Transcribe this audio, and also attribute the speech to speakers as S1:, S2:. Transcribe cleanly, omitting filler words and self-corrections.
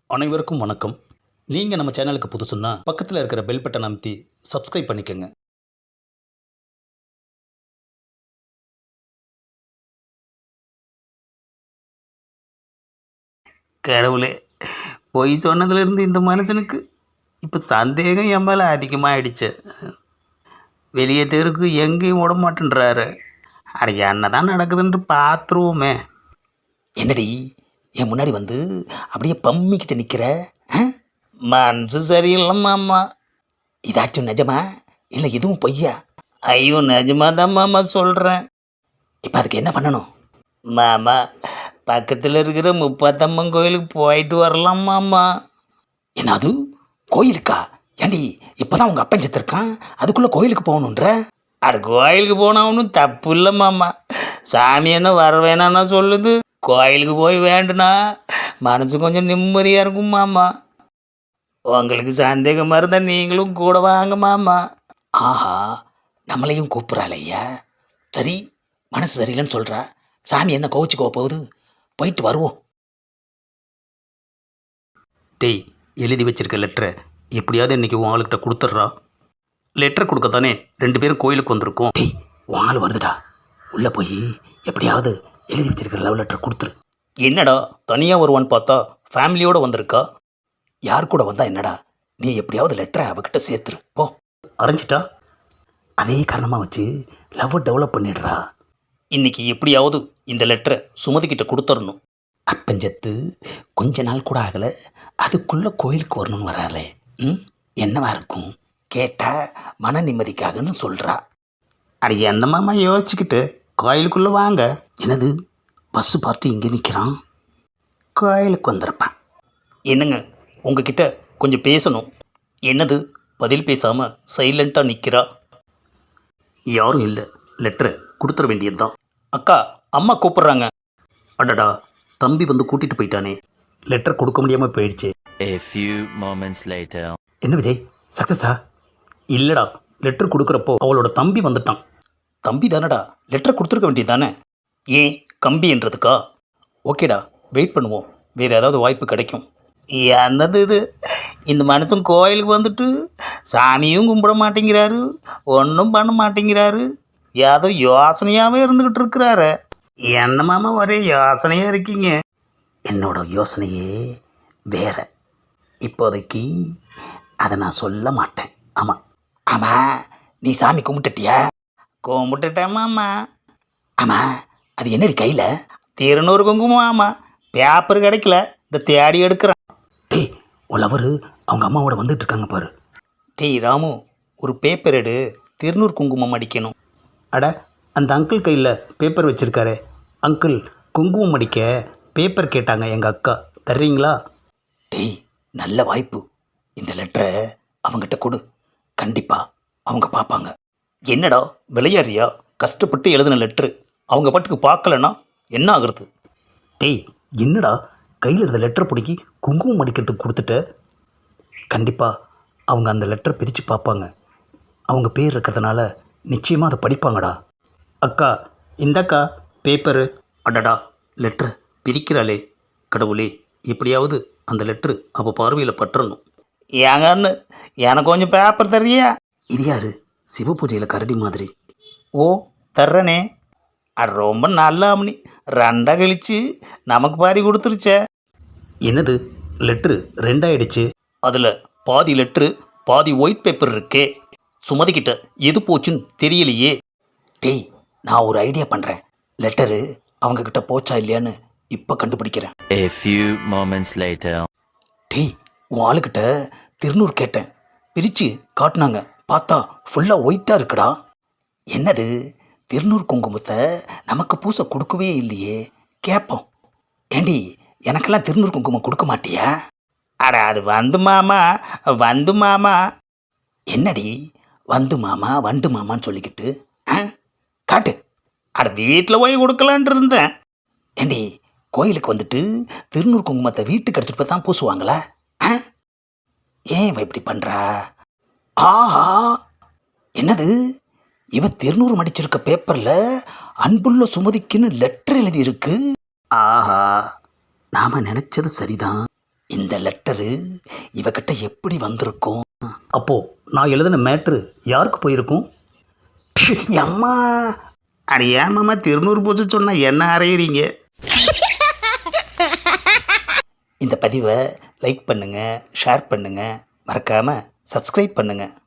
S1: அனைவருக்கும் வணக்கம். நீங்கள் நம்ம சேனலுக்கு புதுசுன்னா பக்கத்தில் இருக்கிற பெல் பட்டன் அமைத்தி சப்ஸ்கிரைப் பண்ணிக்கோங்க. கடவுளே, பொய் சொன்னதுலேருந்து இந்த மனுஷனுக்கு இப்போ சந்தேகம் என் மேலே அதிகமாகிடுச்சு. வெளியே தெருக்கு எங்கேயும் விட மாட்டேன்றாரு. அட என்ன தான் நடக்குதுன்ட்டு பார்த்துருவோமே. என்னடி என் முன்னாடி வந்து அப்படியே பம்மிக்கிட்ட நிற்கிற? மனசு சரியில்லைம்மாம்மா. இதாச்சும் நிஜமா இல்லை இதுவும் பொய்யா? ஐயோ நிஜமா தான் மாமா சொல்கிறேன். இப்போ அதுக்கு என்ன பண்ணணும்? மாமா பக்கத்தில் இருக்கிற முப்பாத்தம்மன் கோயிலுக்கு போயிட்டு வரலாம் மாமா. என்னது கோயிலுக்கா? ஏண்டி இப்போதான் உங்கள் அப்பன் செத்துருக்கான், அதுக்குள்ளே கோயிலுக்கு போகணுன்ற? அட கோயிலுக்கு போனால் ஒன்றும் தப்பு இல்லை மாமா. சாமி என்ன வர வேணான்னா சொல்லுது. கோயிலுக்கு போய் வேண்டுனா மனசு கொஞ்சம் நிம்மதியாக இருக்கும் மாமா. உங்களுக்கு சந்தேகமாக இருந்தால் நீங்களும் கூட வாங்க மாமா. ஆஹா, நம்மளையும் கூப்பிட்றாளையா? சரி, மனசு சரியில்லைன்னு சொல்கிறா, சாமி என்ன கோவிச்சுக்கோ போகுது, போயிட்டு வருவோம். டேய், எழுதி வச்சிருக்க லெட்டரை எப்படியாவது இன்றைக்கி உன் ஆளுக்கிட்ட கொடுத்துட்றா. லெட்டர் கொடுக்கத்தானே 2 பேரும் கோயிலுக்கு வந்திருக்கோம். டேய், உன் ஆள் வருதுடா, உள்ளே போய் எப்படியாவது எழுதி வச்சிருக்கிற லவ் லெட்டர் கொடுத்துரு. என்னடா தனியாக வருவான்னு பார்த்தா ஃபேமிலியோடு வந்திருக்கா. யார் கூட வந்தா என்னடா, நீ எப்படியாவது லெட்டரை அவகிட்ட சேர்த்துரு போ. அரைஞ்சிட்டா அதே காரணமாக வச்சு லவ்வை டெவலப் பண்ணிடுறா. இன்னைக்கு எப்படியாவது இந்த லெட்டரை சுமதிக்கிட்ட கொடுத்துடணும். அப்பஞ்சத்து கொஞ்ச நாள் கூட ஆகலை, அதுக்குள்ளே கோயிலுக்கு வரணும்னு வராளே. என்னவா இருக்கும்? கேட்டால் மன நிம்மதிக்காகன்னு சொல்கிறா. அட என்னமாம்மா யோசிச்சுக்கிட்டு கோயிலுக்குள்ளே வாங்க. என்னது பஸ்ஸு பார்த்து இங்கே நிற்கிறான், கோயிலுக்கு வந்துருப்பான். என்னங்க உங்ககிட்ட கொஞ்சம் பேசணும். என்னது பதில் பேசாமல் சைலண்ட்டாக நிற்கிறா? யாரும் இல்லை, லெட்டரை கொடுத்துட வேண்டியது தான். அக்கா, அம்மா கூப்பிட்றாங்க. அடடா, தம்பி வந்து கூட்டிகிட்டு போயிட்டானே, லெட்டர் கொடுக்க முடியாமல் போயிடுச்சு. என்ன விஜய், சக்ஸஸா? இல்லைடா, லெட்டர் கொடுக்குறப்போ அவளோட தம்பி வந்துட்டான். தம்பி தானடா, லெட்டர் கொடுத்துருக்க வேண்டியது தானே. ஏன் கம்பி என்றதுக்கா? ஓகேடா, வெயிட் பண்ணுவோம், வேறு ஏதாவது வாய்ப்பு கிடைக்கும். என்னது இது, இந்த மனுஷன் கோயிலுக்கு வந்துட்டு சாமியும் கும்பிட மாட்டேங்கிறாரு, ஒன்றும் பண்ண மாட்டேங்கிறாரு, ஏதோ யோசனையாகவே இருந்துக்கிட்டு இருக்கிறாரு. என்னமாமா ஒரே யோசனையாக இருக்கீங்க? என்னோட யோசனையே வேற. இப்போதைக்கு அதை நான் சொல்ல மாட்டேன். ஆமாம் ஆமாம், நீ சாமி கும்பிட்டுட்டியா? கும்பிட்டுட்டேம்மாம்மா. ஆமாம், அது என்னடி கையில்? திருநூறு குங்குமம். ஆமாம், பேப்பர் கிடைக்கல, இந்த தேடி எடுக்கிறேன். டேய், உள்ளவர் அவங்க அம்மாவோட வந்துட்டு இருக்காங்க பாரு. டேய் ராமு, ஒரு பேப்பர் எடு, திருநூறு குங்குமம் அடிக்கணும். அட, அந்த அங்கிள் கையில் பேப்பர் வச்சுருக்காரு. அங்கிள், குங்குமம் அடிக்க பேப்பர் கேட்டாங்க எங்கள் அக்கா, தர்றீங்களா? டேய், நல்ல வாய்ப்பு, இந்த லெட்டரை அவங்ககிட்ட கொடு, கண்டிப்பாக அவங்க பார்ப்பாங்க. என்னடா விளையாடுறியா? கஷ்டப்பட்டு எழுதின லெட்ரு அவங்க பாட்டுக்கு பார்க்கலன்னா என்ன ஆகுறது? டேய், என்னடா கையில் இருந்த லெட்டரை பிடிக்கி குங்குமம் அடிக்கிறதுக்கு கொடுத்துட்ட? கண்டிப்பாக அவங்க அந்த லெட்டரை பிரித்து பார்ப்பாங்க, அவங்க பேர் இருக்கிறதுனால நிச்சயமாக அதை படிப்பாங்கடா. அக்கா, இந்தக்கா பேப்பரு. அடடா, லெட்டரை பிரிக்கிறாளே, கடவுளே, எப்படியாவது அந்த லெட்ரு அவள் பார்வையில் பற்றணும். ஏங்கன்னு எனக்கு கொஞ்சம் பேப்பர் தர்றியா? இது யாரு, சிவ பூஜையில் கரடி மாதிரி. ஓ, தர்றனே. அது ரொம்ப நல்ல அம்னி, 2 கழிச்சு நமக்கு பாதி கொடுத்துருச்சே. என்னது, லெட்ரு 2 ஆயிடுச்சு? அதில் பாதி லெட்ரு பாதி ஒயிட் பேப்பர் இருக்கே. சுமதிக்கிட்ட எது போச்சுன்னு தெரியலையே. டேய், நான் ஒரு ஐடியா பண்ணுறேன், லெட்டரு அவங்கக்கிட்ட போச்சா இல்லையான்னு இப்போ கண்டுபிடிக்கிறேன். டேய், உன் ஆளுக்கிட்ட திருநூறு கேட்டேன், பிரித்து காட்டினாங்க, பார்த்தா ஃபுல்லாக ஒயிட்டாக இருக்குடா. என்னது, திருநூறு குங்குமத்தை நமக்கு பூசை கொடுக்கவே இல்லையே, கேட்போம். ஏண்டி, எனக்கெல்லாம் திருநூறு குங்குமம் கொடுக்க மாட்டியா? அட, அது வந்து மாமா, வந்து மாமா. என்னடி வந்து மாமா வண்டு மாமான்னு சொல்லிக்கிட்டு காட்டு. அட, வீட்டில் போய் கொடுக்கலான்ட்டு இருந்தேன். ஏண்டி, கோயிலுக்கு வந்துட்டு திருநூறு குங்குமத்தை வீட்டுக்கு எடுத்துகிட்டு போய் தான் பூசுவாங்களா? ஏன் இவ இப்படி பண்ணுறா? ஆஹா, என்னது, இவ திருநூறு மடிச்சிருக்க பேப்பரில் அன்புள்ள சுமதிக்குன்னு லெட்டர் எழுதியிருக்கு. ஆஹா, நாம் நினச்சது சரிதான், இந்த லெட்டரு இவகிட்ட எப்படி வந்திருக்கும்? அப்போ நான் எழுதின மேட்ரு யாருக்கு போயிருக்கும்? அம்மா அட ஏமாம்மா திருநூறு பூச்சி சொன்னால் என்ன அறையிறீங்க? இந்த பதிவை லைக் பண்ணுங்கள், ஷேர் பண்ணுங்கள், மறக்காமல் சப்ஸ்கிரைப் பண்ணுங்கள்.